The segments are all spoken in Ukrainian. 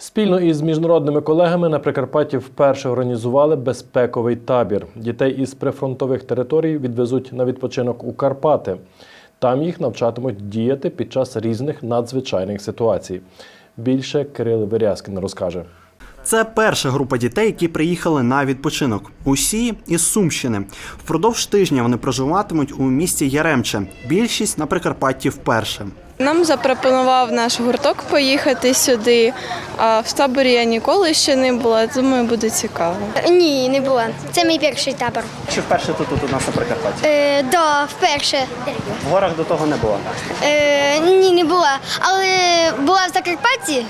Спільно із міжнародними колегами на Прикарпатті вперше організували безпековий табір. Дітей із прифронтових територій відвезуть на відпочинок у Карпати. Там їх навчатимуть діяти під час різних надзвичайних ситуацій. Більше Кирил Верязкін розкаже. Це перша група дітей, які приїхали на відпочинок. Усі із Сумщини. Впродовж тижня вони проживатимуть у місті Яремче. Більшість на Прикарпатті вперше. Нам запропонував наш гурток поїхати сюди, а в таборі я ніколи ще не була, думаю, буде цікаво. Ні, не була. Це мій перший табор. Чи вперше тут у нас на Прикарпатті? Да, вперше. В горах до того не було? Ні, не була. Але була в Закарпатті,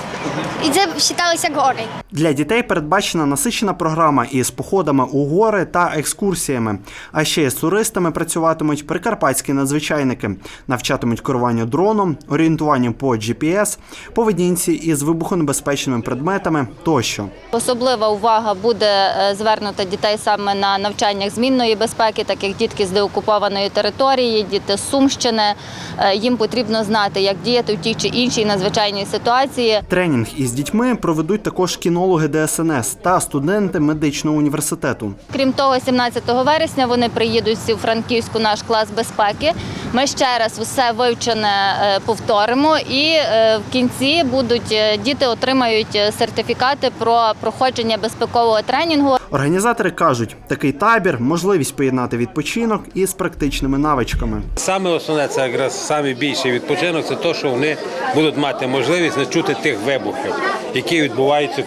і це вважалося гори. Для дітей передбачена насичена програма із походами у гори та екскурсіями. А ще з туристами працюватимуть прикарпатські надзвичайники. Навчатимуть керуванню дроном, орієнтуванню по GPS, поведінці із вибухонебезпечними предметами тощо. Особлива увага буде звернута дітей саме на навчаннях змінної безпеки, так як дітки з деокупованої території, діти з Сумщини. Їм потрібно знати, як діяти в тій чи іншій надзвичайній ситуації. Тренінг із дітьми проведуть також кінологи ДСНС та студенти медичного університету. Крім того, 17 вересня вони приїдуть всі у Франківську наш клас безпеки. Ми ще раз усе вивчене повторимо і в кінці діти отримають сертифікати про проходження безпекового тренінгу. Організатори кажуть, такий табір – можливість поєднати відпочинок із практичними навичками. Саме основне, це якраз саме більший відпочинок, це те, що вони будуть мати можливість не чути тих вибухів, які відбуваються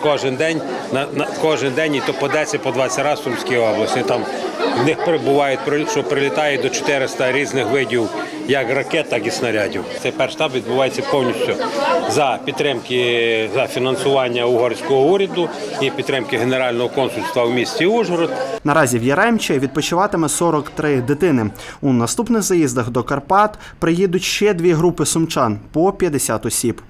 кожен день, і то по 10, по 20 разів в Сумській області. Там в них буває, що прилітає до 400 різних видів, як ракет, так і снарядів. Цей перший штаб відбувається повністю за підтримки, за фінансування угорського уряду і підтримки Генерального консульства в місті Ужгород. Наразі в Яремче відпочиватиме 43 дитини. У наступних заїздах до Карпат приїдуть ще 2 групи сумчан по 50 осіб.